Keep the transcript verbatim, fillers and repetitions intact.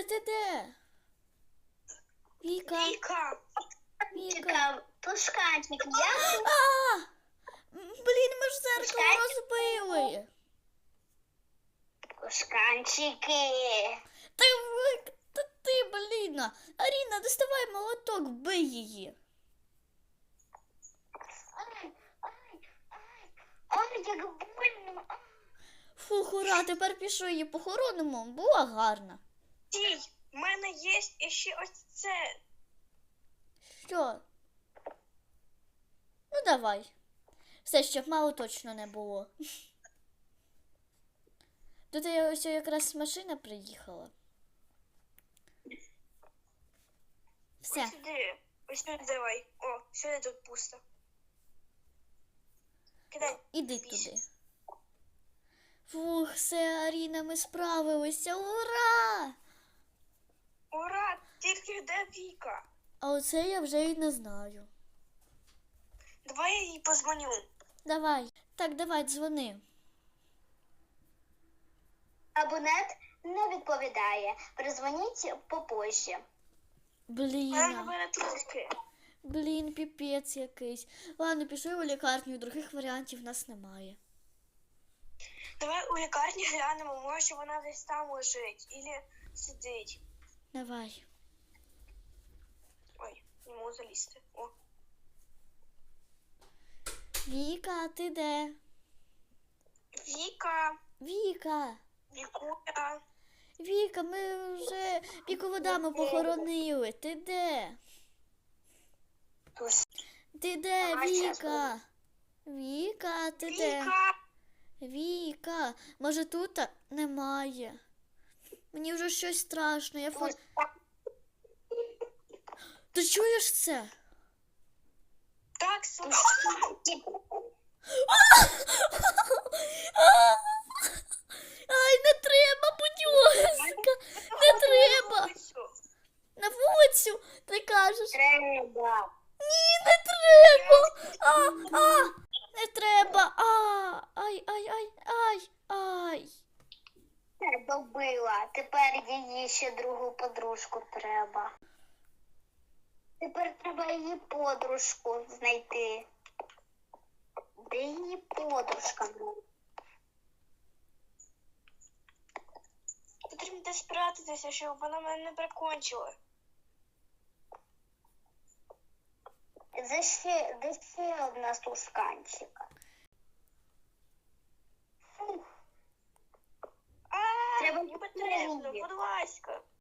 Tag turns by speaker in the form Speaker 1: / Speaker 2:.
Speaker 1: ти де? Віка.
Speaker 2: Віка.
Speaker 1: Віка.
Speaker 2: Пушканчик, я
Speaker 1: А! Блін, ми ж зеркало розбили.
Speaker 2: Пушканчики.
Speaker 1: Та, ви- та ти, блін. Аріна, доставай молоток, вбий її.
Speaker 2: Ай, ай, ай, ай, як больно.
Speaker 1: Фух, ура, тепер пішов її похоронимо. Була гарна.
Speaker 2: Стій, в мене є ще ось це.
Speaker 1: Що? Ну, давай. Все, щоб мало точно не було. Тут ось якраз машина приїхала. Все.
Speaker 2: Ось сюди. Ось сюди давай. О, сюди тут пусто. Кидай.
Speaker 1: Іди
Speaker 2: Більше.
Speaker 1: туди. Фух, все, Аріна, ми справилися. Ура!
Speaker 2: Ура! Тільки де Віка?
Speaker 1: А оце я вже і не знаю.
Speaker 2: Давай я їй позвоню.
Speaker 1: Давай. Так, давай, дзвони.
Speaker 2: Абонент не відповідає. Перезвоніть попозже.
Speaker 1: Блін.
Speaker 2: Вона мене трубки.
Speaker 1: Блін, піпець якийсь. Ладно, пішли у лікарню, других варіантів в нас немає.
Speaker 2: Давай у лікарні глянемо, може вона десь там лежить. Ілі сидить.
Speaker 1: Давай.
Speaker 2: Ой, не можу залізти. О.
Speaker 1: Віка, ти де?
Speaker 2: Віка.
Speaker 1: Віка.
Speaker 2: Вікуля.
Speaker 1: Віка, ми вже віководами похоронили. Ти де? Ти де,
Speaker 2: Давай, щас
Speaker 1: Віка? Віка, ти де?
Speaker 2: Віка.
Speaker 1: Віка, може тут немає? Мені вже щось страшно. Я фо... Ти чуєш це?
Speaker 2: Так, слухай.
Speaker 1: Ай, не треба, будь ласка. Не треба. На вулицю, ти кажеш.
Speaker 2: Треба.
Speaker 1: Ні, не треба. А, а, не треба. А, ай, ай, ай, ай, ай.
Speaker 2: Добила. Тепер її ще другу подружку треба. Тепер треба її подружку знайти. Де її подружка? Потрібно десь спрятатися, щоб вона мене не прикончила. Де ще, де ще одна сушканчика? Фух. А,
Speaker 1: Треба
Speaker 2: не потрібно, будь ласка.